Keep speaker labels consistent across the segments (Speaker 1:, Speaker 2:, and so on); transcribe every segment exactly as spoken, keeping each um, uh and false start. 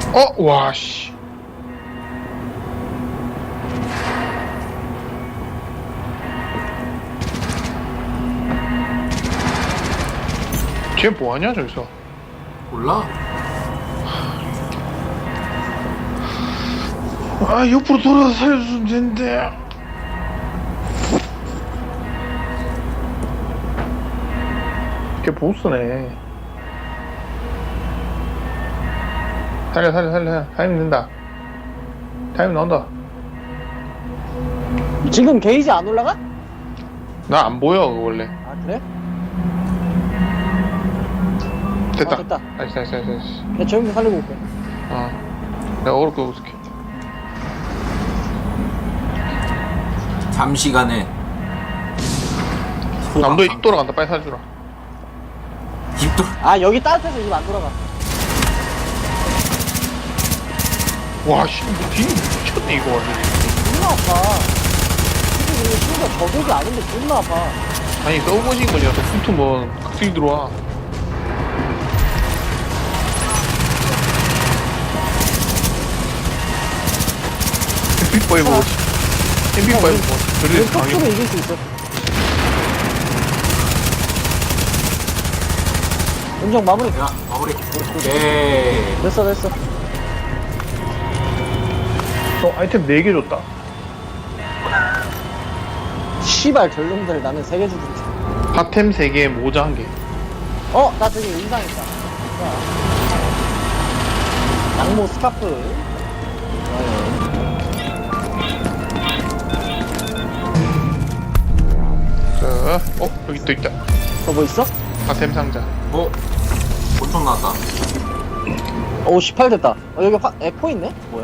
Speaker 1: 어? 와 씨. 쟤 뭐하냐 저기서.
Speaker 2: 몰라?
Speaker 1: 아 옆으로 돌아서 살려주면 되는데. 걔 보스네. 살려 살려 살려. 타임 된다. 타임 나온다.
Speaker 3: 지금 게이지 안 올라가?
Speaker 1: 나 안 보여 그거 원래.
Speaker 3: 아 그래?
Speaker 1: 됐다.
Speaker 3: 아, 됐다.
Speaker 1: 나이스 나이스 나이스 나이스.
Speaker 3: 내가 조용히 살리고 올게.
Speaker 1: 어. 내가 어그로 끄고 있을게.
Speaker 2: 잠시간에
Speaker 1: 남도 입 돌아간다. 빨리 살려주라.
Speaker 2: 입도
Speaker 3: 아 여기 따뜻해서 입 안 돌아가.
Speaker 1: 와 씨. 뭐 뒤에 미쳤네 이거 완전.
Speaker 3: 존나 아파. 이게 친구가 저격이 아닌데 존나 아파.
Speaker 1: 아니 서브머신 거냐. 또 붙으면 각성이 들어와. 엠피파이브 뭐지? 엠피파이브 뭐 그래
Speaker 3: 톡톡은
Speaker 1: 당연히.
Speaker 3: 이길 수 있어. 은정 마무리.
Speaker 2: 야 마무리. 오케이.
Speaker 3: 됐어 됐어.
Speaker 1: 어 아이템 네 개 줬다.
Speaker 3: 씨발 전룡들 나는 세 개 주고 있어.
Speaker 1: 핫템 세 개, 모자 한 개.
Speaker 3: 어? 나 저기 의상 있다. 자. 양모 스카프. 좋아요.
Speaker 1: 자, 어 여기 또 있다.
Speaker 3: 너 뭐 있어?
Speaker 1: 핫템 상자.
Speaker 2: 어? 권총 나왔다.
Speaker 3: 오 십팔 됐다. 어 여기 화, 에코 있네? 뭐야?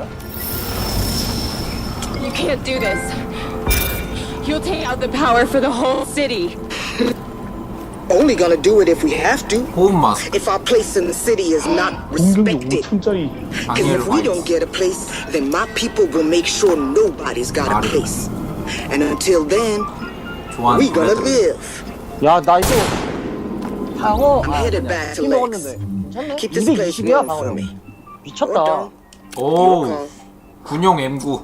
Speaker 4: You can't do this. You'll take out the power for the whole city.
Speaker 5: Only gonna do it if we have to.
Speaker 2: 호흡 마스크.
Speaker 5: If our place in the city is not
Speaker 1: 공격이
Speaker 5: respected.
Speaker 1: 오천짜리.
Speaker 5: Because
Speaker 2: 방해를
Speaker 5: if we
Speaker 2: 많이
Speaker 5: don't
Speaker 2: 했어.
Speaker 5: get a place, then my people will make sure nobody's got a
Speaker 2: 말이
Speaker 5: place. And until then,
Speaker 2: 좋아하는
Speaker 5: we gonna
Speaker 2: 노래들.
Speaker 5: live.
Speaker 3: 야 나 이거 방어
Speaker 5: I'm
Speaker 3: 아
Speaker 5: headed
Speaker 3: 그냥
Speaker 5: back to
Speaker 3: 피 먹었는데
Speaker 5: Lex.
Speaker 3: 괜찮네?
Speaker 5: Keep this place
Speaker 3: 이백이십이야
Speaker 5: warm for
Speaker 3: 방어력
Speaker 5: me.
Speaker 3: 미쳤다.
Speaker 5: Or
Speaker 2: 오 군용 엠구.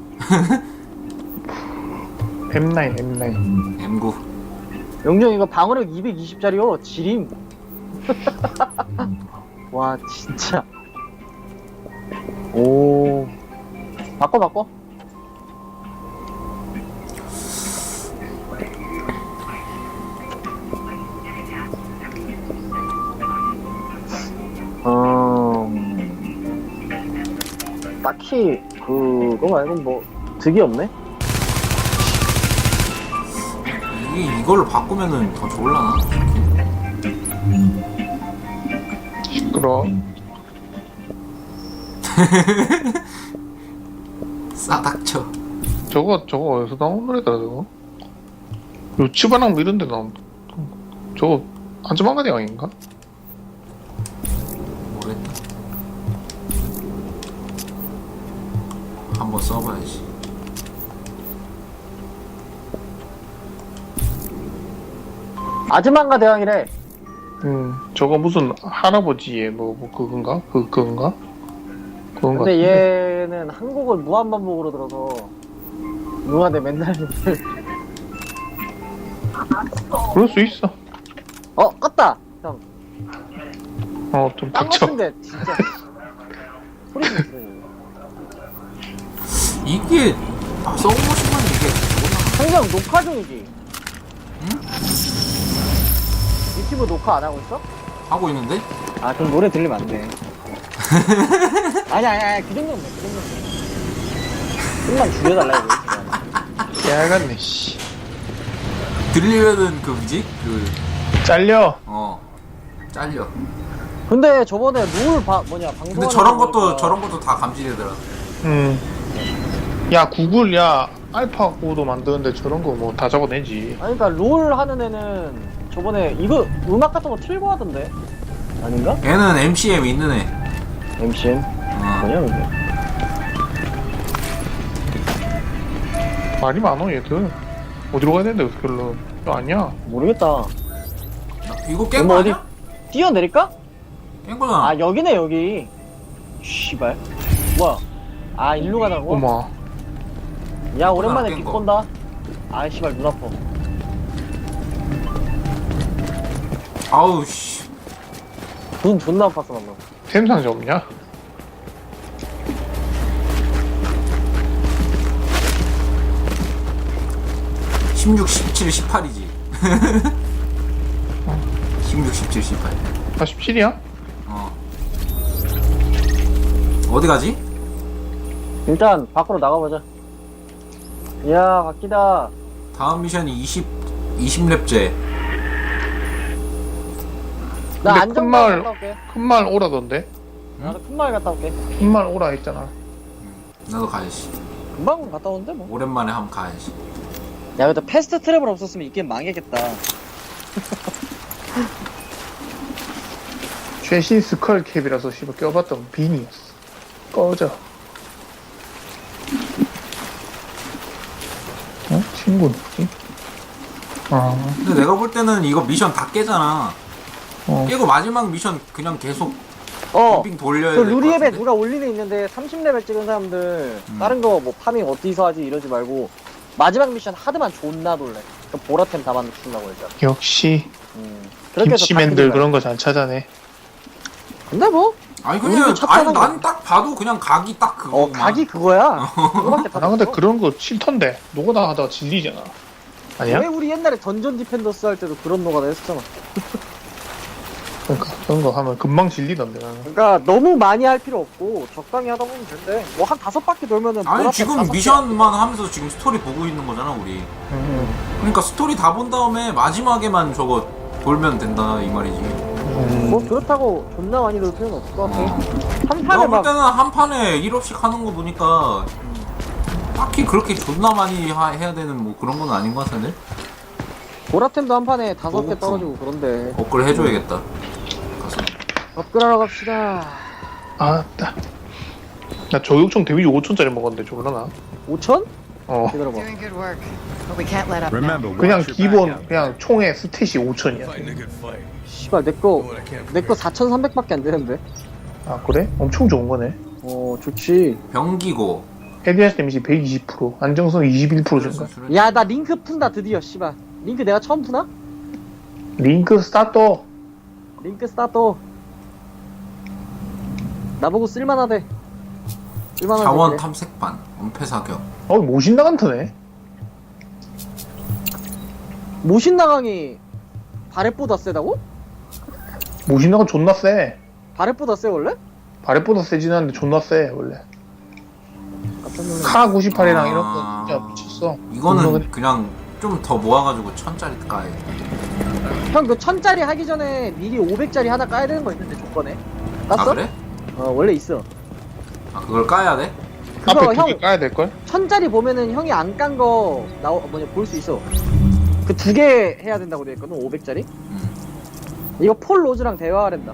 Speaker 1: 엠나인, 엠나인.
Speaker 2: 엠구.
Speaker 3: 영정 이거 방어력 이백이십짜리요 지림. 와 진짜. 오 바꿔 바꿔. 어... 딱히 그거 말고 뭐 득이 없네?
Speaker 2: 이게 이걸로 바꾸면은 더 좋을라나?
Speaker 1: 시끄러.
Speaker 2: 싸닥쳐.
Speaker 1: 저거 저거 어디서 나온 노래더라 저거? 요치바랑 뭐 이런 데 나온. 저거 한주만가대 왕인가?
Speaker 2: 모르겠다. 한번 써봐야지.
Speaker 3: 아즈만가 대왕이래.
Speaker 1: 음 저거 무슨 할아버지의 뭐, 뭐 그건가? 그 그건가? 그건 가.
Speaker 3: 근데 얘는 한국을 무한반복으로 들어서 누나한테 맨날
Speaker 1: 그럴 수 있어.
Speaker 3: 어 껐다 형.
Speaker 1: 어좀
Speaker 3: 딴
Speaker 1: 닥쳐.
Speaker 3: 같은데 진짜 소리 좀 들으니.
Speaker 2: 이게 아, 써보시면 이게
Speaker 3: 한경 녹화 중이지? 응? 유튜브 녹화 안 하고 있어?
Speaker 2: 하고 있는데?
Speaker 3: 아 그럼 노래 들리면 안 돼. 아니 아니 아니 그 정도면 돼. 그 정도면 돼. 좀만 줄여달라 이거.
Speaker 1: 야간네 씨.
Speaker 2: 들리면은 그 뭐지? 그
Speaker 1: 잘려.
Speaker 2: 어 잘려.
Speaker 3: 근데 저번에 룰 바, 뭐냐 방송.
Speaker 2: 근데 저런 것도 저런 것도 다 감지되더라.
Speaker 1: 음. 야 구글 야 알파 고도 만드는데 저런 거 뭐 다 적어내지.
Speaker 3: 아니 그니까 롤 하는 애는 저번에 이거 음악 같은 거 틀고 하던데 아닌가?
Speaker 2: 얘는 엠씨엠 있는 애.
Speaker 3: 엠씨엠?
Speaker 2: 어.
Speaker 3: 뭐냐 근데?
Speaker 1: 말이 많어 얘들. 어디로 가야 되는데 어떻게 흘러? 저 아니야.
Speaker 3: 모르겠다.
Speaker 2: 이거 깬
Speaker 3: 뭐
Speaker 2: 거
Speaker 3: 어디
Speaker 2: 아니야?
Speaker 3: 뛰어내릴까?
Speaker 2: 깬 거잖아.
Speaker 3: 아 여기네 여기. 씨발. 뭐야? 아 일로 가자고?
Speaker 1: 어머.
Speaker 3: 야 오랜만에
Speaker 2: 깬
Speaker 3: 비
Speaker 2: 거.
Speaker 3: 본다. 아 씨발 눈 아파.
Speaker 2: 아우 씨.
Speaker 3: 눈 존나 아팠어 방금.
Speaker 1: 템 상자 없냐?
Speaker 2: 십육, 십칠, 십팔이지. 십육, 십칠, 십팔.
Speaker 1: 아 십칠이야?
Speaker 2: 어. 어디 가지?
Speaker 3: 일단 밖으로 나가보자. 야 바뀌다.
Speaker 2: 다음 미션이 이십, 이십 렙째.
Speaker 3: 나
Speaker 1: 근데
Speaker 3: 안전만
Speaker 1: 큰 마을-
Speaker 3: 갔다 올게.
Speaker 1: 큰 마을 오라던데?
Speaker 3: 나도 큰 마을 갔다 올게.
Speaker 1: 큰 마을 오라 했잖아.
Speaker 2: 나도 가야지.
Speaker 3: 금방 갔다 오는데 뭐.
Speaker 2: 오랜만에 한번 가야지.
Speaker 3: 야 근데 패스트 트래블 없었으면 이 게임 망했겠다.
Speaker 1: 최신 스컬 캡이라서 씨발 껴봤던 빈이었어. 꺼져. 어? 친구 누구지? 아,
Speaker 2: 근데 내가 볼 때는 이거 미션 다 깨잖아.
Speaker 1: 어.
Speaker 2: 깨고 마지막 미션 그냥 계속
Speaker 3: 어.
Speaker 2: 빙 돌려야
Speaker 3: 그
Speaker 2: 될것
Speaker 3: 루리앱에
Speaker 2: 같은데?
Speaker 3: 누가 올리는 있는데 삼십 레벨 찍은 사람들
Speaker 2: 음.
Speaker 3: 다른 거 뭐 파밍 어디서 하지 이러지 말고 마지막 미션 하드만 존나 돌래. 그 보라템 다 맞춘다고 일단.
Speaker 1: 역시
Speaker 3: 음. 그렇게 해서 다
Speaker 1: 김치맨들
Speaker 3: 뜯은 거야.
Speaker 1: 그런 거 잘 찾아내.
Speaker 3: 근데 뭐?
Speaker 2: 아니
Speaker 3: 우리도
Speaker 2: 그냥
Speaker 3: 찾잖아,
Speaker 2: 아니 난 딱 봐도 그냥 각이 딱 그거.
Speaker 3: 어 각이 그거야. 그거밖에 다
Speaker 1: 나 근데
Speaker 3: 없어.
Speaker 1: 그런 거 싫던데. 노가다 하다가 질리잖아. 아니야?
Speaker 3: 왜 우리 옛날에 던전 디펜더스 할 때도 그런 노가다 했었잖아.
Speaker 1: 그러니까 그런 거 하면 금방 질리던데 나는.
Speaker 3: 그러니까 너무 많이 할 필요 없고 적당히 하다 보면 된대. 뭐 한 다섯 바퀴 돌면은
Speaker 2: 아니
Speaker 3: 보라템
Speaker 2: 지금
Speaker 3: 다섯 개
Speaker 2: 미션만 하면서 지금 스토리 보고 있는 거잖아 우리.
Speaker 1: 음,
Speaker 2: 그러니까 스토리 다 본 다음에 마지막에만 저거 돌면 된다 이 말이지.
Speaker 1: 음.
Speaker 3: 뭐 그렇다고 존나 많이 돌 필요는 없을 것 같아.
Speaker 2: 어.
Speaker 3: 한
Speaker 2: 내가
Speaker 3: 판에
Speaker 2: 볼
Speaker 3: 막
Speaker 2: 때는 한 판에 일 업씩 하는 거 보니까 딱히 그렇게 존나 많이 하- 해야 되는 뭐 그런 건 아닌 것 같은데?
Speaker 3: 보라템도 한 판에 다섯 개
Speaker 2: 보급품.
Speaker 3: 떨어지고 그런데.
Speaker 2: 업글 해줘야겠다. 가서.
Speaker 3: 업그레이드하러 갑시다.
Speaker 1: 아따. 나 저격총 데미지 오천짜리 먹었는데 졸라나?
Speaker 3: 오천?
Speaker 1: 어.
Speaker 3: 기다려봐.
Speaker 4: Doing good work, but we can't let up now.
Speaker 6: Remember,
Speaker 1: 그냥
Speaker 6: watch your back
Speaker 1: 기본
Speaker 6: out.
Speaker 1: 그냥 총의 스탯이 오천이야.
Speaker 6: Fighting a good fight.
Speaker 3: 씨발 내거
Speaker 6: What I can't
Speaker 3: 내거 사천삼백밖에 안 되는데.
Speaker 1: 아 그래? 엄청 좋은 거네.
Speaker 3: 어 좋지.
Speaker 2: 병기고.
Speaker 1: 헤드샷 데미지 백이십 퍼센트, 안정성 이십일 퍼센트 증가.
Speaker 3: 야 나 링크 푼다 드디어 씨발. 링크 내가 처음 푸나?
Speaker 1: 링크 스타터.
Speaker 3: 링크 스타트. 나보고 쓸만하대. 쓸만하대.
Speaker 2: 자원
Speaker 3: 그래.
Speaker 2: 탐색반. 은폐 사격.
Speaker 1: 어 모신 나간타네.
Speaker 3: 모신 나강이 바렛보다 세다고?
Speaker 1: 모신 나간 존나 세.
Speaker 3: 바렛보다 세 원래?
Speaker 1: 바렛보다 세진 않는데 존나 세 원래.
Speaker 3: 깜짝 놀랐네.
Speaker 1: 카 구십팔이랑
Speaker 2: 아.
Speaker 1: 이런 거 진짜 미쳤어.
Speaker 2: 이거는
Speaker 1: 존나
Speaker 2: 그냥 좀 더 모아가지고 천짜리 까야 돼.
Speaker 3: 형 그 천짜리 하기 전에 미리 오백짜리 하나 까야 되는 거 있는데 조건에. 깠어?
Speaker 2: 아 그래?
Speaker 3: 어 원래 있어.
Speaker 2: 아 그걸 까야 돼?
Speaker 3: 그거
Speaker 1: 앞에 두
Speaker 3: 형
Speaker 1: 개 까야 될걸?
Speaker 3: 천짜리 보면은 형이 안 깐 거 나오 뭐냐 볼 수 있어. 그 두 개 해야 된다고 돼 있거든. 오백짜리.
Speaker 2: 음.
Speaker 3: 이거 폴 로즈랑 대화하랜다.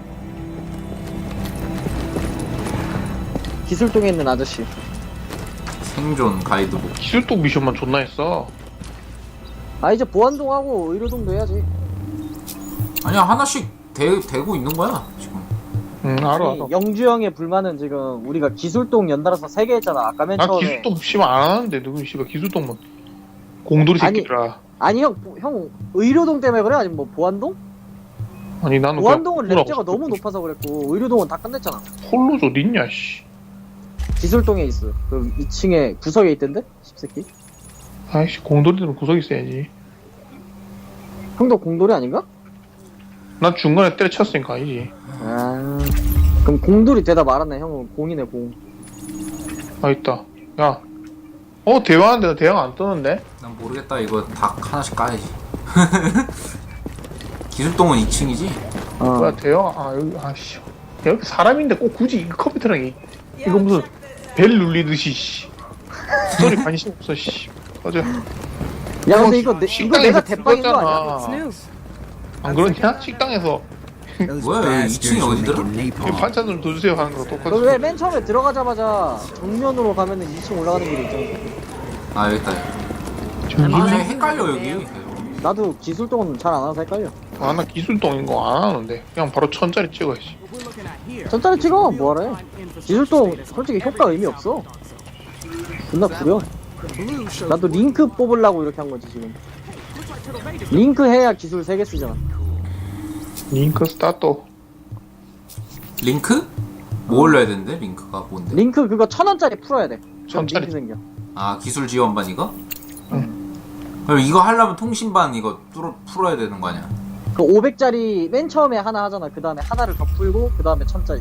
Speaker 3: 기술동에 있는 아저씨.
Speaker 2: 생존 가이드북.
Speaker 1: 기술독 미션만 존나 했어.
Speaker 3: 아 이제 보안동하고 의료동도 해야지.
Speaker 2: 아니야 하나씩 대, 대고 있는 거야 지금.
Speaker 1: 응 알아 알아.
Speaker 3: 아니, 영주 형의 불만은 지금 우리가 기술동 연달아서 세 개 했잖아. 아까 맨
Speaker 1: 나
Speaker 3: 처음에.
Speaker 1: 기술독 씨발 안 하는데 누구 씨발 기술독만 공돌이
Speaker 3: 아니,
Speaker 1: 새끼라.
Speaker 3: 아니 형, 형 의료동 때문에 그래? 아니면 뭐 보안동?
Speaker 1: 아니 나는
Speaker 3: 보안동은
Speaker 1: 그냥
Speaker 3: 랩제가 너무 높아서 그랬고 의료동은 다 끝냈잖아.
Speaker 1: 홀로 저 어딨냐 씨.
Speaker 3: 기술동에 있어. 그 이 층에 구석에 있던데? 십새끼.
Speaker 1: 아이씨 공돌이들은 구석 있어야지.
Speaker 3: 형도 공돌이 아닌가?
Speaker 1: 난 중간에 때려쳤으니까 아니지.
Speaker 3: 아 그럼 공돌이 되다 말았네. 형은 공이네 공.
Speaker 1: 아 있다. 야. 어 대화하는데 나 대화 안 뜨는데?
Speaker 2: 난 모르겠다 이거 다 하나씩 까야지. 기술동은 이 층이지?
Speaker 3: 어.
Speaker 1: 뭐야 대화 아 여기 아씨. 여기 사람인데 꼭 굳이 이 컴퓨터랑 이 이거 무슨 벨 눌리듯이 씨. 스토리 관심 없어 씨. 맞아.
Speaker 3: 야 근데 이거 내, 이거
Speaker 1: 식당에서
Speaker 3: 내가 대빵인 거 아니야?
Speaker 1: 죽었잖아.
Speaker 4: It's new.
Speaker 1: 안 그러냐? 식당에서
Speaker 2: 뭐야 여기 이 층이 어디더라?
Speaker 1: 이거 반찬으로 더 주세요 하는 거 똑같이.
Speaker 3: 너 왜 맨 처음에 들어가자마자 정면으로 가면은 이 층 올라가는 길이 있잖아.
Speaker 2: 아 여기 있다.
Speaker 1: 저기
Speaker 2: 아 헷갈려 여기.
Speaker 3: 나도 기술동은 잘 안 와서 헷갈려.
Speaker 1: 아, 나 기술동인 거 안 하는데. 그냥 바로 천짜리 찍어야지.
Speaker 3: 천짜리 찍어 뭐하래. 기술동 솔직히 효과 의미 없어. 존나 구려. 나도 링크 뽑으려고 이렇게 한 거지 지금. 링크 해야 기술 세 개 쓰잖아.
Speaker 1: 링크 스타트.
Speaker 2: 링크? 뭐 올려야 되는데? 링크가 뭔데?
Speaker 3: 링크 그거 천 원짜리 풀어야 돼. 그럼
Speaker 1: 천짜리.
Speaker 3: 링크 생겨.
Speaker 2: 아 기술 지원반 이거? 그럼 이거 하려면 통신반 이거 뚫어, 풀어야 되는 거 아니야?
Speaker 3: 그 오백짜리 맨 처음에 하나 하잖아. 그 다음에 하나를 더 풀고 그 다음에 천짜리.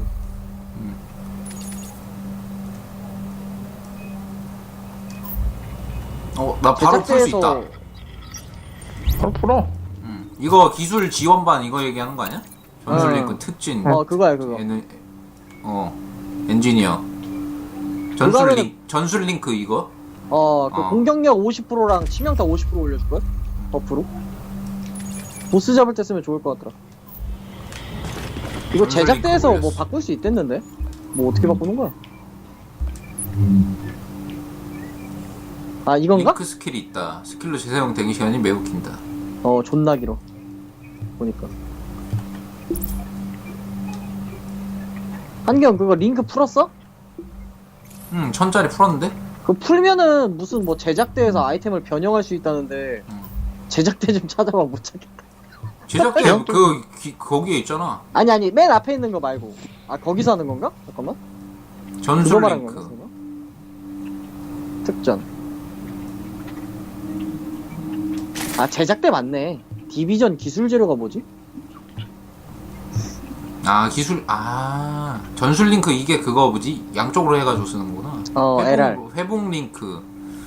Speaker 2: 어 나 바로 풀 수 있다.
Speaker 1: 바로 풀어.
Speaker 2: 음. 이거 기술 지원반 이거 얘기하는 거 아니야? 전술
Speaker 3: 어.
Speaker 2: 링크 특진.
Speaker 3: 어 그거야 그거.
Speaker 2: 에는, 어 엔지니어. 전술
Speaker 3: 그거는-
Speaker 2: 링 전술 링크 이거?
Speaker 3: 어, 그
Speaker 2: 어.
Speaker 3: 공격력 오십 퍼센트랑 치명타 오십 퍼센트 올려줄걸? 버프로? 보스 잡을 때 쓰면 좋을 것 같더라. 이거
Speaker 2: 전술
Speaker 3: 제작대에서
Speaker 2: 링크
Speaker 3: 뭐
Speaker 2: 올렸어.
Speaker 3: 바꿀 수 있댔는데? 뭐 어떻게 바꾸는 거야? 아, 이건가?
Speaker 2: 링크 스킬이 있다. 스킬로 재사용 대기 시간이 매우 긴다.
Speaker 3: 어, 존나 길어. 보니까. 한경 그거 링크 풀었어?
Speaker 2: 음 천짜리 풀었는데?
Speaker 3: 그거 풀면은 무슨 뭐 제작대에서 아이템을 변형할 수 있다는데
Speaker 2: 음.
Speaker 3: 제작대 좀 찾아봐 못 찾겠다.
Speaker 2: 제작대
Speaker 1: 그냥
Speaker 2: 그 기, 거기에 있잖아.
Speaker 3: 아니 아니 맨 앞에 있는 거 말고. 아 거기서 하는 건가? 잠깐만. 그거
Speaker 2: 전술
Speaker 3: 말한 건가?
Speaker 2: 링크.
Speaker 3: 그거? 특전. 아 제작대 맞네. 디비전 기술 재료가 뭐지?
Speaker 2: 아 기술 아 전술 링크 이게 그거 뭐지? 양쪽으로 해가지고 쓰는 거구나.
Speaker 3: 어
Speaker 2: 회복,
Speaker 3: 엘알.
Speaker 2: 회복 링크.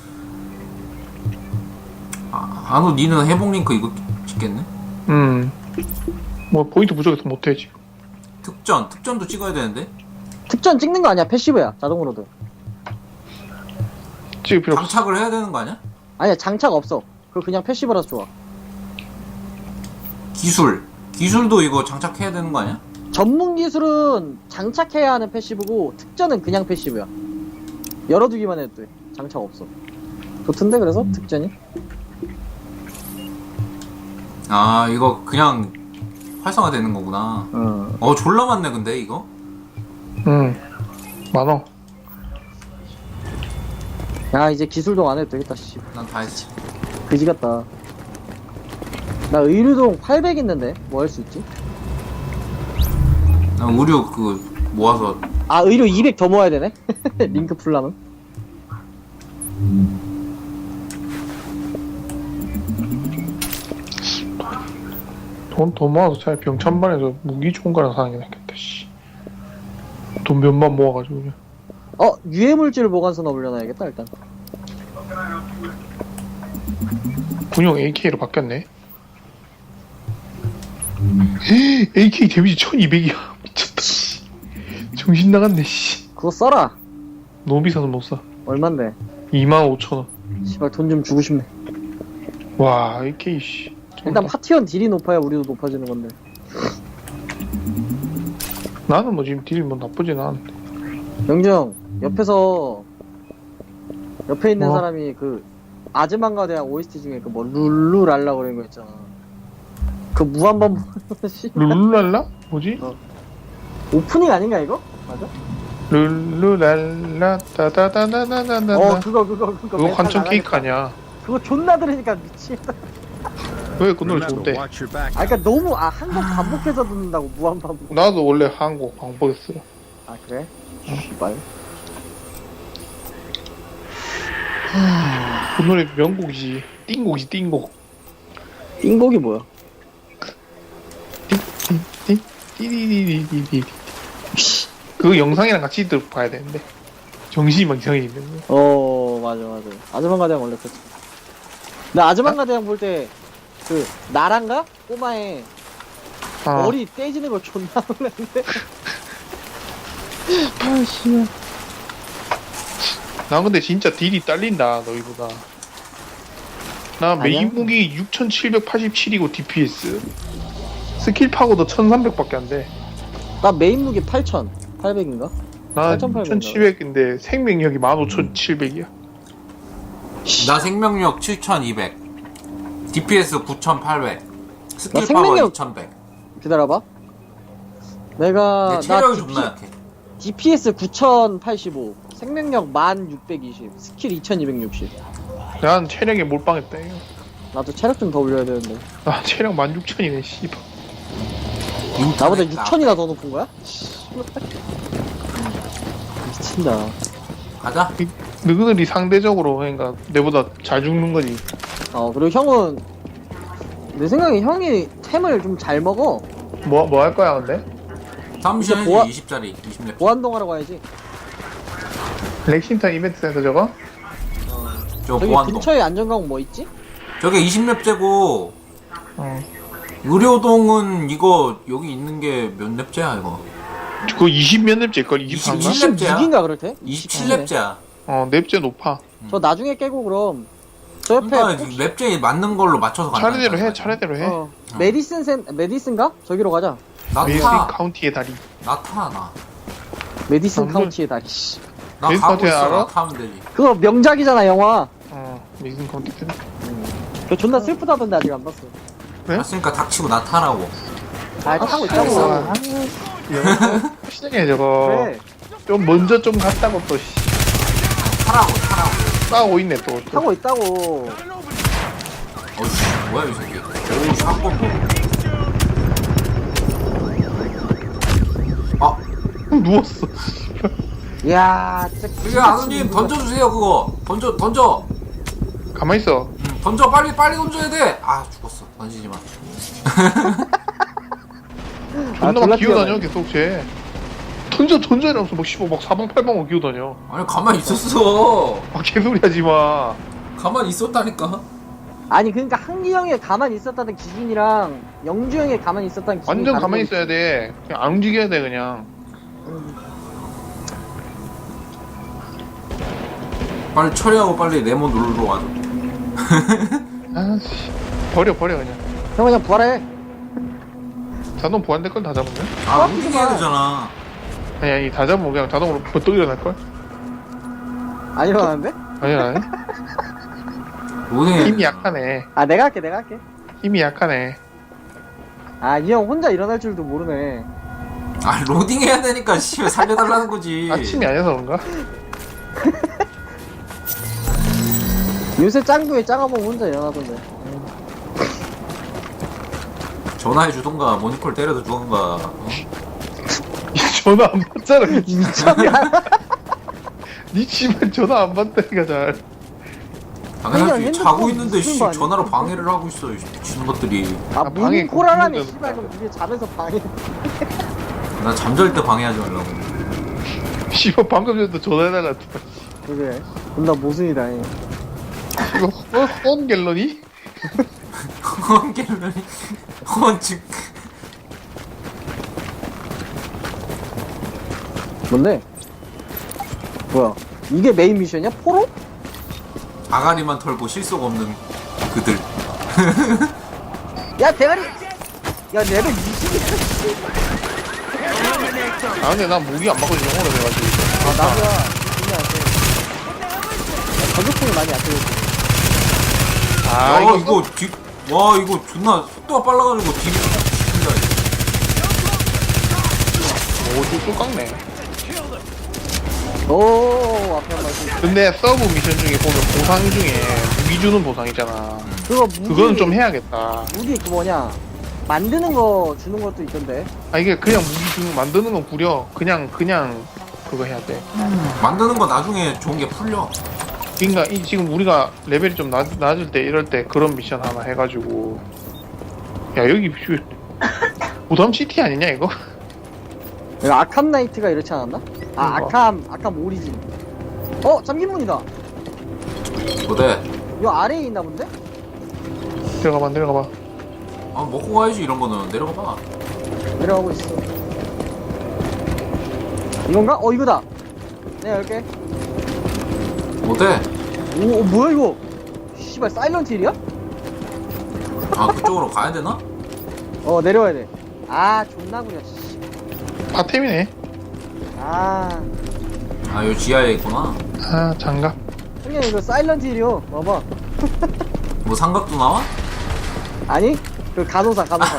Speaker 2: 아 아노 니는 회복 링크 이거 찍겠네?
Speaker 1: 음. 뭐 포인트 부족해서 못해 지금.
Speaker 2: 특전 특전도 찍어야 되는데
Speaker 3: 특전 찍는 거 아니야. 패시브야. 자동으로도.
Speaker 1: 찍을 필요 없어.
Speaker 2: 장착을 해야 되는 거 아니야?
Speaker 3: 아니야 장착 없어. 그거 그냥 패시브라서 좋아.
Speaker 2: 기술 기술도 이거 장착해야 되는 거 아니야?
Speaker 3: 전문 기술은 장착해야 하는 패시브고 특전은 그냥 패시브야. 열어두기만 해도 돼. 장착 없어. 좋던데 그래서 특전이?
Speaker 2: 아 이거 그냥 활성화 되는 거구나.
Speaker 3: 어.
Speaker 2: 어 졸라 많네 근데 이거.
Speaker 1: 음. 많어.
Speaker 3: 야 이제 기술동 안 해도 되겠다 씨.
Speaker 2: 난 다 했지.
Speaker 3: 그지 같다. 나 의류동 팔백 있는데 뭐 할 수 있지?
Speaker 2: 난 의류 그 모아서
Speaker 3: 아 의류 이백 더 모아야 되네? 링크 풀라면?
Speaker 1: 돈 더 모아서 차라리 병천반에서 무기 좋은 거랑 사는 게 낫겠다. 씨. 돈 몇만 모아가지고 그냥.
Speaker 3: 어 유해물질 보관소나 올려놔야겠다 일단.
Speaker 1: 군용 에이케이로 바뀌었네. 에이케이 데미지 천이백이야. 미쳤다. 씨. 정신 나갔네. 씨.
Speaker 3: 그거 써라.
Speaker 1: 너무 비싸서 못 사.
Speaker 3: 얼만데?
Speaker 1: 이만 오천 원.
Speaker 3: 씨발 돈 좀 주고 싶네.
Speaker 1: 와, 에이케이 씨.
Speaker 3: 일단 파티원 딜이 높아야 우리도 높아지는 건데.
Speaker 1: 나는 뭐 지금 딜이 뭐 나쁘진 않은데.
Speaker 3: 영정 옆에서 옆에 있는
Speaker 1: 뭐?
Speaker 3: 사람이 그 아즈만가 대학 오에스티 중에 그 뭐 룰루랄라 그런 거 있잖아. 그 무한반 씨
Speaker 1: 룰루랄라? 뭐지?
Speaker 3: 어. 오프닝 아닌가 이거? 맞아?
Speaker 1: 룰루랄라 따다다다다다다.
Speaker 3: 어 그거 그거 그거
Speaker 1: 그거
Speaker 3: 멘탈
Speaker 1: 관청
Speaker 3: 나가니까.
Speaker 1: 케이크 아니야.
Speaker 3: 그거 존나 들으니까 미치겠다.
Speaker 1: 왜 그 노래
Speaker 6: Remember,
Speaker 1: 좋대?
Speaker 6: watch your back.
Speaker 3: 아 그니까 너무 아 한국 반복해서 듣는다고 무한반복.
Speaker 1: 나도 원래 한국 방법했어.
Speaker 3: 아 그래? 씨발.
Speaker 1: 그 노래 명곡이지. 띵곡이지 띵곡.
Speaker 3: 띵곡이 뭐야?
Speaker 1: 띵띵 띠디디디디디. 그 영상이랑 같이 들어봐야 되는데 정신이 막 이상해 있는 거.
Speaker 3: 어 맞아 맞아. 아즈만가 대학 원래 그랬지. 나 아즈만가 대학 볼 때 그 나란가 꼬마에
Speaker 1: 아,
Speaker 3: 머리 떼지는 거 존나 놀랐는데. 아씨.
Speaker 1: 나 근데 진짜 딜이 딸린다 너희보다. 나 메인
Speaker 3: 아니야?
Speaker 1: 무기 육천칠백팔십칠이고 디피에스 스킬 파고도 천삼백밖에 안 돼.
Speaker 3: 나 메인 무기 팔천 팔백인가?
Speaker 1: 나
Speaker 3: 팔천팔백 인가?
Speaker 1: 육천칠백인데 생명력이 만 오천칠백이야.
Speaker 2: 나 생명력 칠천이백 디피에스 구천팔백 스킬
Speaker 3: 생명력-
Speaker 2: 파워 이천백.
Speaker 3: 기다려봐. 내가
Speaker 2: 내 체력이
Speaker 3: 나
Speaker 2: 존나 약해.
Speaker 3: 디피에스 구천팔십오, 생명력 만 육백이십, 스킬 이천이백육십.
Speaker 1: 난 체력에 몰빵했다 이거.
Speaker 3: 나도 체력 좀 더 올려야 되는데.
Speaker 1: 아 체력 만 육천이네 씨발.
Speaker 3: 나보다
Speaker 2: 인터넷
Speaker 3: 육천이나 더 높은 거야? 미친다.
Speaker 2: 가자.
Speaker 1: 이- 너희들이 상대적으로 그러니까 내보다 잘 죽는 거지.
Speaker 3: 어, 그리고 형은 내 생각에 형이 템을 좀 잘 먹어.
Speaker 1: 뭐 뭐 할 거야 근데?
Speaker 2: 잠시만
Speaker 3: 보아-
Speaker 2: 이십 짜리 이십 렙.
Speaker 3: 보안동 하러 가야지.
Speaker 1: 렉싱턴 이벤트 센터 저거?
Speaker 2: 저
Speaker 3: 저기
Speaker 2: 보안동.
Speaker 3: 근처에 안전광 뭐 있지?
Speaker 2: 저게 이십 렙째고
Speaker 1: 어.
Speaker 2: 의료동은 이거 여기 있는 게 몇 렙째야 이거?
Speaker 1: 그거 이십 몇 렙째일 걸 이십삼 가?
Speaker 2: 이십 렙째야?
Speaker 3: 이십육인가 그렇대?
Speaker 2: 이십칠 렙째야.
Speaker 1: 어 렙째 높아.
Speaker 3: 저 나중에 깨고 그럼 저 옆에
Speaker 2: 그러니까
Speaker 3: 혹시-
Speaker 2: 렙째 맞는 걸로 맞춰서 간다.
Speaker 1: 차례대로 해 차례대로 해.
Speaker 3: 어, 메디슨 센 메디슨가? 저기로 가자.
Speaker 1: 메이스
Speaker 2: 나타
Speaker 1: 카운티의 다리.
Speaker 2: 나타 나.
Speaker 3: 메디슨
Speaker 1: 남들-
Speaker 3: 카운티의 다리. 씨.
Speaker 2: 나
Speaker 1: 메이스
Speaker 2: 가고
Speaker 1: 카운티
Speaker 2: 있어.
Speaker 1: 알아?
Speaker 2: 나타 하면 되지.
Speaker 3: 그거 명작이잖아 영화.
Speaker 1: 어 메이스 카운티 다리.
Speaker 3: 그 존나 슬프다던데 아직 안 봤어.
Speaker 1: 네?
Speaker 2: 봤으니까 닥치고 나타라고.
Speaker 3: 아 타고
Speaker 1: 아,
Speaker 3: 있다고.
Speaker 1: 영어 시장에 저거
Speaker 3: 그래.
Speaker 1: 좀 먼저 좀 갔다고 또 씨,
Speaker 2: 타라고 타라고.
Speaker 1: 싸우고 있네 또. 또.
Speaker 3: 타고 있다고.
Speaker 2: 어이씨 뭐야 이 새끼. 오 샷건 뭐. 아
Speaker 1: 누웠어.
Speaker 3: 이야 진짜.
Speaker 2: 그게 아누님 던져주세요 그거. 던져 던져.
Speaker 1: 가만 있어.
Speaker 2: 음, 던져 빨리 빨리 던져야 돼. 아 죽었어. 던지지 마.
Speaker 1: 존나
Speaker 3: 졸라
Speaker 1: 막 기어다녀
Speaker 3: 뛰어다녀.
Speaker 1: 계속 쟤. 던져 던져 이러면서 막 씨발 막 사방팔방으로 기어다녀.
Speaker 2: 아니 가만히 있었어.
Speaker 1: 아 개소리 하지 마.
Speaker 2: 가만히 있었다니까.
Speaker 3: 아니 그러니까 한기 형이 가만히 있었다는 기준이랑 영주 형이 가만히 있었다는 기준이
Speaker 1: 완전
Speaker 3: 다른
Speaker 1: 가만히
Speaker 3: 거지.
Speaker 1: 있어야 돼. 그냥 안 움직여야 돼 그냥.
Speaker 2: 빨리 처리하고 빨리 네모 누르러 와줘.
Speaker 1: 아씨 버려 버려 그냥.
Speaker 3: 형 그냥 부활해.
Speaker 1: 자동 보안될 걸 다 잡으면?
Speaker 2: 아 움직여야 되잖아.
Speaker 1: 아니 아니 다 잡으면 그냥 자동으로 버떡 일어날 걸?
Speaker 3: 안 일어나는데?
Speaker 1: 아니 아니.
Speaker 2: 로딩.
Speaker 1: 힘이 약하네.
Speaker 3: 아 내가 할게 내가 할게.
Speaker 1: 힘이 약하네.
Speaker 3: 아 이 형 혼자 일어날 줄도 모르네.
Speaker 2: 아 로딩 해야 되니까 씨발 살려달라는 거지.
Speaker 1: 아침이 아니어서 그런가?
Speaker 3: 요새 짱구에 작아보면 혼자 일어나던데.
Speaker 2: 전화해 주던가 모니콜 때려도 주던가. 어?
Speaker 1: 전화 안 받잖아. 니
Speaker 3: 미쳤냐?
Speaker 1: 니 씨발 전화 안 받다니까 잘.
Speaker 2: 당연하지.
Speaker 3: 핸드폰
Speaker 2: 자고 있는데 씨
Speaker 3: 무슨 거 아니야?
Speaker 2: 전화로 방해를 하고 있어. 이 미치는 것들이.
Speaker 3: 아
Speaker 1: 아, 방해
Speaker 3: 모닝콜하라며
Speaker 1: 그거
Speaker 3: 씨발 그럼 이게 잠에서 방해.
Speaker 2: 나 잠잘 때 방해하지 말라고.
Speaker 1: 씨발 방금 전에도 전화해달라.
Speaker 3: 그래. 존나 모순이다. 이.
Speaker 1: 이거 허, 헌 갤러니?
Speaker 2: 헌갤러리 헌즉.
Speaker 3: 뭔데? 뭐야? 이게 메인 미션이야? 포로?
Speaker 2: 아가리만 털고 실속 없는 그들.
Speaker 3: 야 대가리! 야 레벨 이십이야.
Speaker 1: 아 근데 난 무기 안 맞고 영어로 돼가지고.
Speaker 3: 아 나도야. 존나 안 돼. 저격총이 많이 안 돼.
Speaker 1: 아
Speaker 2: 아
Speaker 1: 이거
Speaker 2: 이거 뒤. 와 이거 존나 속도가 빨라가지고 뒤로 튕긴다.
Speaker 1: 오좀 깎네.
Speaker 3: 오 앞에 한번 좀.
Speaker 1: 근데 서브 미션 중에 보면 보상 중에 무기 주는 보상 있잖아.
Speaker 3: 그거 무기.
Speaker 1: 그거는 좀 해야겠다.
Speaker 3: 무기 그 뭐냐? 만드는 거 주는 것도 있던데.
Speaker 1: 아 이게 그냥 무기 주는 만드는 건 구려. 그냥 그냥 그거 해야 돼.
Speaker 2: 만드는 거 나중에 좋은 게 풀려.
Speaker 1: 그러니까 이 지금 우리가 레벨이 좀 낮, 낮을 때 이럴 때 그런 미션 하나 해가지고 야 여기 뷰- 부담 시티 아니냐 이거?
Speaker 3: 이거 아캄 나이트가 이렇지 않았나? 아
Speaker 1: 그거.
Speaker 3: 아캄 아캄 오리진. 어 잠긴 문이다.
Speaker 2: 뭐대?
Speaker 3: 이거 아래에 있나 본데?
Speaker 1: 들어가봐 들어가봐.
Speaker 2: 아 먹고 가야지 이런 거는. 내려가 봐.
Speaker 3: 내려가고 있어. 이건가? 어 이거다. 내가 열게.
Speaker 2: 뭐대?
Speaker 3: 오, 어, 뭐야 이거? 씨발 사일런트 힐이야?
Speaker 2: 아 그쪽으로 가야 되나?
Speaker 3: 어 내려와야 돼. 아 존나 구려. 씨.
Speaker 1: 파템이네.
Speaker 3: 아
Speaker 2: 아 여기 지하에 있구나.
Speaker 1: 아 장갑.
Speaker 3: 형님 이거 사일런트 힐이요. 봐봐.
Speaker 2: 뭐 삼각도 나와?
Speaker 3: 아니 그 간호사 간호사.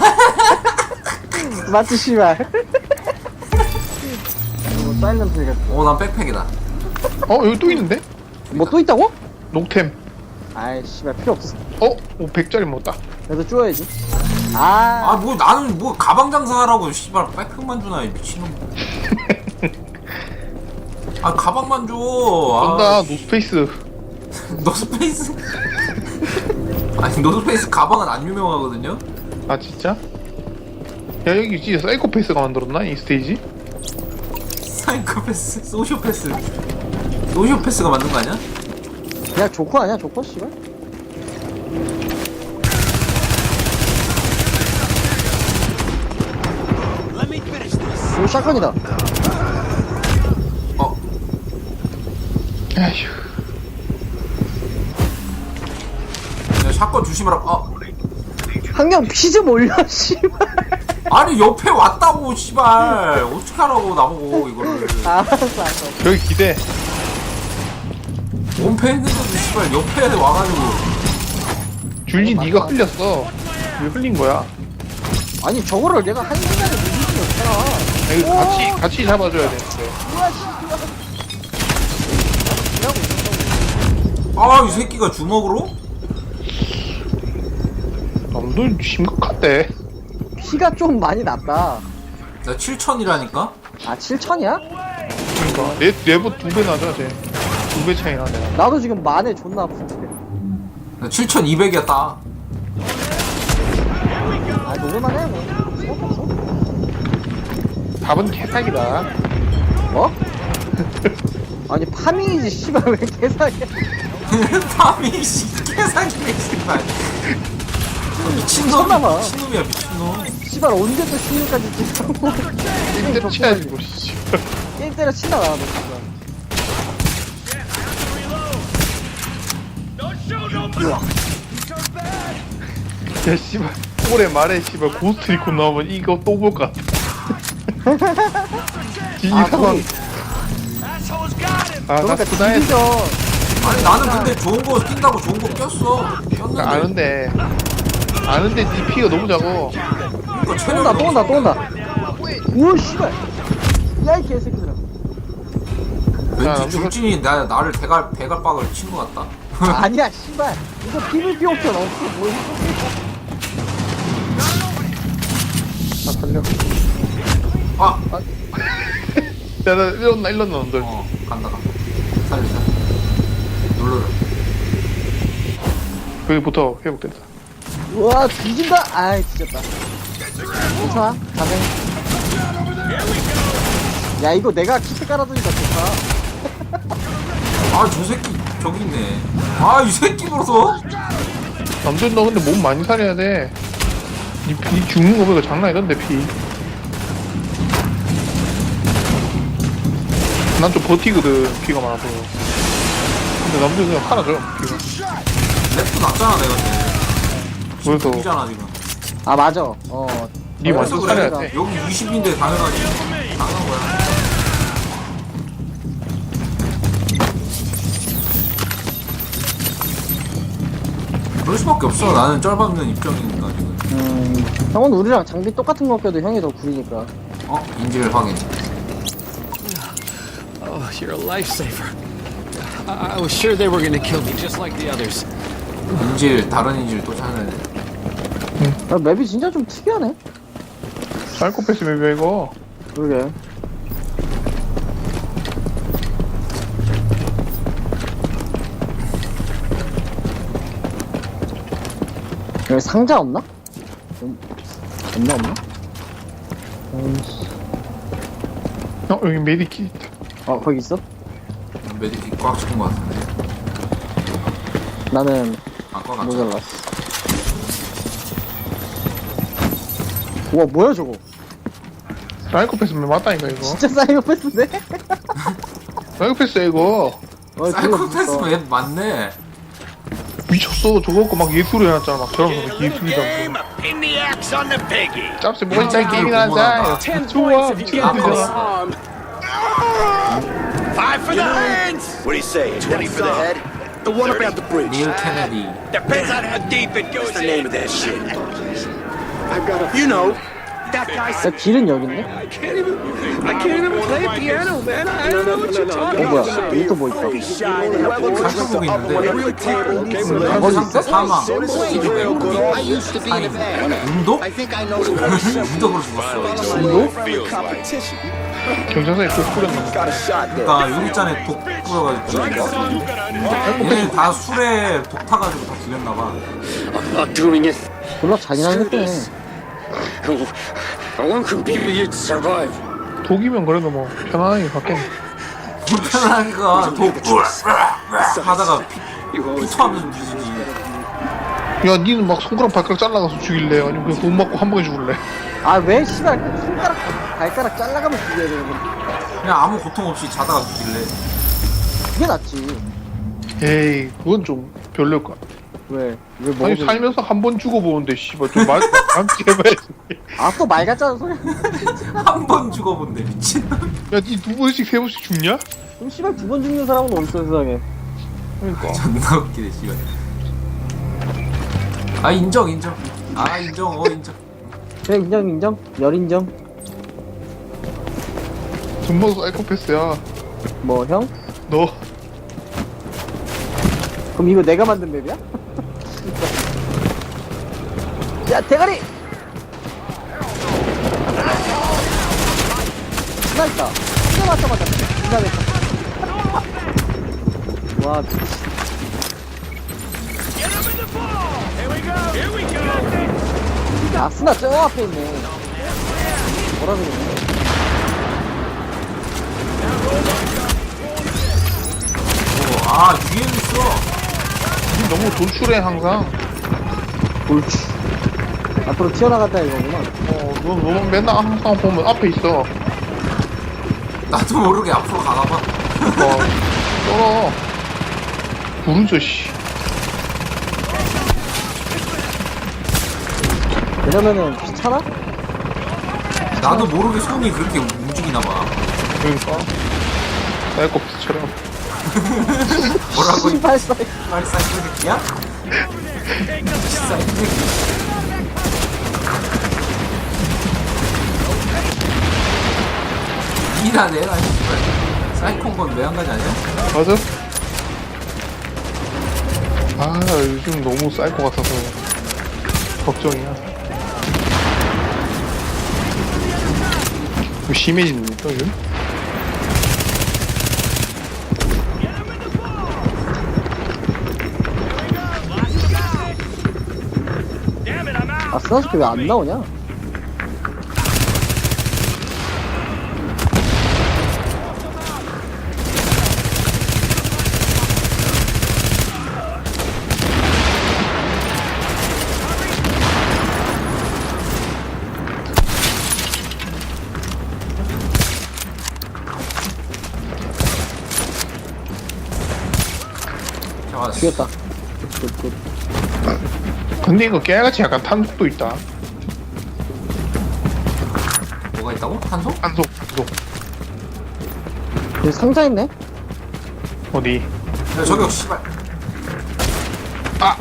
Speaker 3: 맞지 씨발. 뭐 사일런트 이거
Speaker 2: 어난 백팩이다.
Speaker 1: 어 여기 또 있는데?
Speaker 3: 뭐또 있다고?
Speaker 1: 녹템.
Speaker 3: 아이 씨발 필요 없어.
Speaker 1: 어? 오 백짜리 먹었다.
Speaker 3: 그래도 쪼여야지. 아,
Speaker 2: 아 뭐 나는 뭐 가방 장사하라고 씨발 백팩만 주나 이 미친놈. 아 가방만 줘.
Speaker 1: 쏜다
Speaker 2: 아,
Speaker 1: 노스페이스.
Speaker 2: 노스페이스. 아니 노스페이스 가방은 안 유명하거든요.
Speaker 1: 아 진짜? 야 여기 진짜 사이코패스가 만들었나 이 스테이지?
Speaker 2: 사이코패스, 소시오패스, 소시오패스가 만든 거 아니야?
Speaker 3: 그냥 조커 아니야 조커 씨발. 이거 샷건이다.
Speaker 2: 어,
Speaker 1: 아휴.
Speaker 2: 야, 샷건 조심하라. 아,
Speaker 3: 한경 피 좀 올려 씨발.
Speaker 2: 아니 옆에 왔다고 씨발. 어떻게 하라고 나보고 이거를.
Speaker 3: 알았어 알았어.
Speaker 1: 여기 기대.
Speaker 2: 원패 했는데도 씨발 옆에 와가지고.
Speaker 1: 줄리 네가 흘렸어. 왜 흘린 거야?
Speaker 3: 아니 저거를 내가 한 시간에 누릴 수 없잖아.
Speaker 1: 아, 이거 같이 같이 잡아줘야 되는데.
Speaker 2: 아 이 새끼가 주먹으로?
Speaker 1: 남도 심각한데.
Speaker 3: 피가 좀 많이 났다.
Speaker 2: 나 칠천이라니까?
Speaker 3: 아 칠천이야?
Speaker 1: 그러니까 내 내보 두 배 나자 쟤. 두 배 차이 나네.
Speaker 3: 나도 지금 만에 존나 아픈데.
Speaker 2: 나 칠천이백이었다.
Speaker 3: 아 노래만 해 뭐. 없어?
Speaker 1: 답은 개사기다.
Speaker 3: 뭐? 아니 파밍이지 씨발 왜 계산이야.
Speaker 2: 밤이 씨 개사기네 씨발. 미친놈,
Speaker 3: 미쳤나봐.
Speaker 2: 미친놈이야 미친놈.
Speaker 3: 씨발 언제 또 십육까지 찍고
Speaker 1: 힘대로 치야지 뭐 씨.
Speaker 3: 게임 때려 치다 나너 진짜.
Speaker 1: 야 씨발 올해 말에 씨발 고스트 리콘 나오면 이거 또 볼 것 같아. 이
Speaker 3: 아
Speaker 1: 상황.
Speaker 3: 거기
Speaker 1: 아나
Speaker 3: 그러니까
Speaker 1: 부담해.
Speaker 3: 디비전
Speaker 2: 아니 나는 근데 좋은 거 낀다고 좋은 거 꼈어. 꼈는데.
Speaker 1: 아는데 아는데 니 피가 너무 작어.
Speaker 2: 그러니까
Speaker 3: 또
Speaker 2: 체력이
Speaker 3: 온다 또 온다 또 온다. 우와 씨발. 야이 개새끼들아.
Speaker 1: 야,
Speaker 2: 왠지
Speaker 1: 남들-
Speaker 2: 줄진이 나, 나를 대갈, 대갈박을 친 것 같다.
Speaker 3: 아니야 씨발. 이거 피브이피 옵션 없어 뭐.
Speaker 1: 아 살려.
Speaker 2: 아!
Speaker 1: 야나 일렀나 일렀나 놈들.
Speaker 2: 어, 간다, 간다. 살려, 살려. 눌러라.
Speaker 1: 여기부터 회복된다.
Speaker 3: 우와 뒤진다. 아이 뒤졌다. 괜찮아 가능. 야 이거 내가 키트 깔아두니까 좋다.
Speaker 2: 아, 저 새끼, 저기 있네. 아, 이 새끼 벌써?
Speaker 1: 남들 너 근데 몸 많이 살려야 돼. 니, 니 죽는 거 보니까 장난 아니던데 피. 난 좀 버티거든 피가 많아서. 근데 남들 그냥 팔아줘 피가.
Speaker 2: 랩도 낮잖아, 내가.
Speaker 1: 그래서
Speaker 2: 이잖아 지금.
Speaker 3: 아 맞아. 어.
Speaker 1: 니 완전
Speaker 2: 그래서
Speaker 1: 살려야
Speaker 2: 그래.
Speaker 1: 돼.
Speaker 2: 여기 이십인데 당연하지. 당연한 거야. 그럴 수밖에 없어. 나는 쩔밟는 입장이니까 지금.
Speaker 3: 음. 형은 우리랑 장비 똑같은 거 껴도 형이 더 구리니까.
Speaker 2: 어? 인질 확인.
Speaker 6: Oh, you're a lifesaver. I, I was sure they were gonna kill me just like the others.
Speaker 2: 인질 다른 인질 또 찾아야 돼.
Speaker 3: 야, 맵이 진짜 좀 특이하네.
Speaker 1: 사이코패스 맵이야 이거.
Speaker 3: 그러게. 여기 상자 없나? 음, 없나 없나? 어이씨.
Speaker 1: 어 여기 메디킷 있다.
Speaker 3: 어 거기 있어?
Speaker 2: 메디킷 꽉 찍은 것 같은데.
Speaker 3: 나는
Speaker 2: 아까 같이.
Speaker 3: 모자랐어. 우와 뭐야 저거?
Speaker 1: 사이코패스 맵 맞다니까 이거.
Speaker 3: 진짜 사이코패스네?
Speaker 1: 사이코패스야 이거.
Speaker 3: 어,
Speaker 2: 사이코패스
Speaker 3: 그거
Speaker 2: 맵 맞네.
Speaker 1: 미쳤어. 저거 갖고 막 예술을 해놨잖아. 막 저런 거 예술이다.
Speaker 7: Pin the axe on the piggy.
Speaker 1: 짭새 뭐가 있자 게임이나 하자. 좋아 미쳤는데.
Speaker 7: Five for the hands.
Speaker 5: What do you say? twenty for the head? The one about the bridge.
Speaker 2: 닐 케네디.
Speaker 7: Depends on how deep it goes
Speaker 5: What's the name
Speaker 7: in.
Speaker 5: of that shit?
Speaker 7: You know, that guy said,
Speaker 3: 야 길은 여기 있네?
Speaker 7: I can't even, I can't even play piano, man. I don't know what you're talking
Speaker 3: 어 뭐야
Speaker 7: about.
Speaker 3: 여기 또 뭐 있어
Speaker 2: 살펴보고 있는데
Speaker 3: 거기
Speaker 2: 상태
Speaker 3: 있어?
Speaker 2: 사망
Speaker 4: I used to be in a band.
Speaker 2: 운동?
Speaker 4: I think I know the whole
Speaker 2: 운동으로 죽었어.
Speaker 3: 운동?
Speaker 1: 경찰서에 꼭 뿌렸나?
Speaker 2: 그러니까 여기 있잖아 독 뿌려가지고 얘네 다 술에 독 타가지고 다 죽였나봐.
Speaker 6: I'm not doing it.
Speaker 3: 졸라 잔인하게 했네.
Speaker 6: I want to survive.
Speaker 1: 독이면 그래도 뭐 편안하게 받겠네.
Speaker 2: 불편하니까 독 하다가 피, 피토하면서 뒤지지.
Speaker 1: 야 니는 막 손가락 발가락 잘라가서 죽일래? 아니면 그냥 돈 맞고 한 방에 죽을래?
Speaker 3: 아 왜 씨발 꼭 손가락 발가락 잘라가면 죽여야 되는 건데.
Speaker 2: 그냥 아무 고통 없이 자다가 죽일래.
Speaker 3: 그게 낫지.
Speaker 1: 에이 그건 좀 별로일 것 같아.
Speaker 3: 왜? 왜 뭐?
Speaker 1: 아니 살면서 한 번 죽어보는데 씨발 좀 말, 맘치 해봐야지.
Speaker 3: 아또 말 같잖아 소리.
Speaker 2: 한 번 죽어본데 미친놈.
Speaker 1: 야니 두 번씩 세 번씩 죽냐?
Speaker 3: 그럼 씨발 두 번 죽는 사람은 어딨어 세상에.
Speaker 1: 그러니까
Speaker 2: 존나 웃기네 씨발. 아 인정 인정. 아 인정 어 인정.
Speaker 3: 그래 인정 인정. 열 인정.
Speaker 1: 전부 사이코패스야.
Speaker 3: 뭐 형?
Speaker 1: 너
Speaker 3: 그럼 이거 내가 만든 맵이야? 야 대가리! 하나 있다. 하나 맞자마자 기다렸다. 와 미친. 아 스나 저 앞에 있네. 뭐라 그러네.
Speaker 2: 어, 아 위에 있어.
Speaker 1: 니 너무 돌출해 항상.
Speaker 3: 옳지. 앞으로 튀어나갔다 이거구나.
Speaker 1: 어너 너 맨날 항상 보면 앞에 있어.
Speaker 2: 나도 모르게 앞으로 가나봐.
Speaker 1: 어 떨어. 부르죠 씨.
Speaker 3: 이러면은 귀찮아?
Speaker 2: 나도 모르게 손이 그렇게 움직이나봐.
Speaker 1: 그러니까 사이코패스처럼.
Speaker 2: 뭐라고?
Speaker 3: 씨발 사이.
Speaker 2: 말 사이코 새끼야? 사이코 새끼. 이나 내나 씨발. 사이코인 건 왜 한 가지 아니야?
Speaker 1: 맞아? 아 요즘 너무 사이코 같아서 걱정이야. 뭐 심해집니까 요즘?
Speaker 3: 아 스나스키 왜 안 나오냐?
Speaker 2: 자,
Speaker 3: 죽였다. 굿, 굿.
Speaker 1: 근데 이거 깨알같이 약간 탄속도 있다.
Speaker 2: 뭐가 있다고? 탄소?
Speaker 1: 탄속 탄속.
Speaker 3: 여기 상자 있네?
Speaker 1: 어디?
Speaker 2: 야, 저격 씨발.
Speaker 1: 아!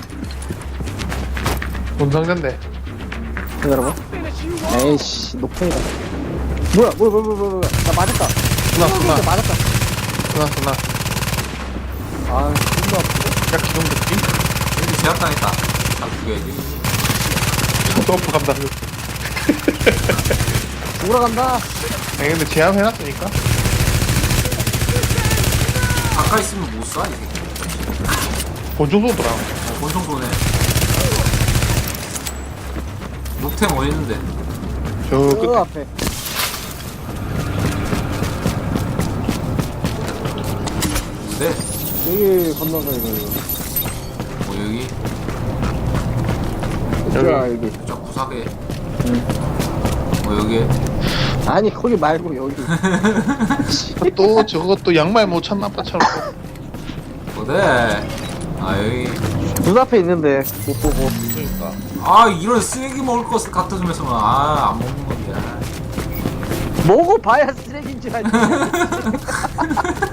Speaker 1: 뭔 상자인데?
Speaker 3: 기다려봐. 에이씨, 녹턴이다. 뭐야, 뭐야, 뭐야, 뭐야, 뭐야. 나 맞았다.
Speaker 1: 쓰나 쓰나
Speaker 3: 진짜 맞았다.
Speaker 1: 쓰나 쓰나.
Speaker 3: 아, 존나 아프네.
Speaker 1: 야 기동백기?
Speaker 2: 여기 제압당했다. 다 죽여야지.
Speaker 1: 점프 간다.
Speaker 3: 돌아간다.
Speaker 1: 아니 근데 제압해놨으니까.
Speaker 2: 가까이 있으면 못 쏴, 이 새끼.
Speaker 1: 본종 쏘더라.
Speaker 2: 어, 본성 쏘네. 녹템 어디 있는데?
Speaker 1: 저
Speaker 3: 저
Speaker 1: 끝에.
Speaker 3: 앞에.
Speaker 2: 네.
Speaker 3: 여기 건너서 이거, 이거.
Speaker 2: 뭐 여기?
Speaker 3: 자, 여기.
Speaker 2: 저 구석에. 뭐 여기?
Speaker 3: 아니, 거기 말고 여기.
Speaker 1: 또 저것도 양말 못 찾나 봐처럼.
Speaker 2: 어디? 아 여기.
Speaker 3: 눈 앞에 있는데, 못 보고.
Speaker 1: 그러니까.
Speaker 2: 아 이런 쓰레기 먹을 것 갖다 주면서 아안 먹는 건데.
Speaker 3: 먹어봐야 쓰레기인 줄 알지.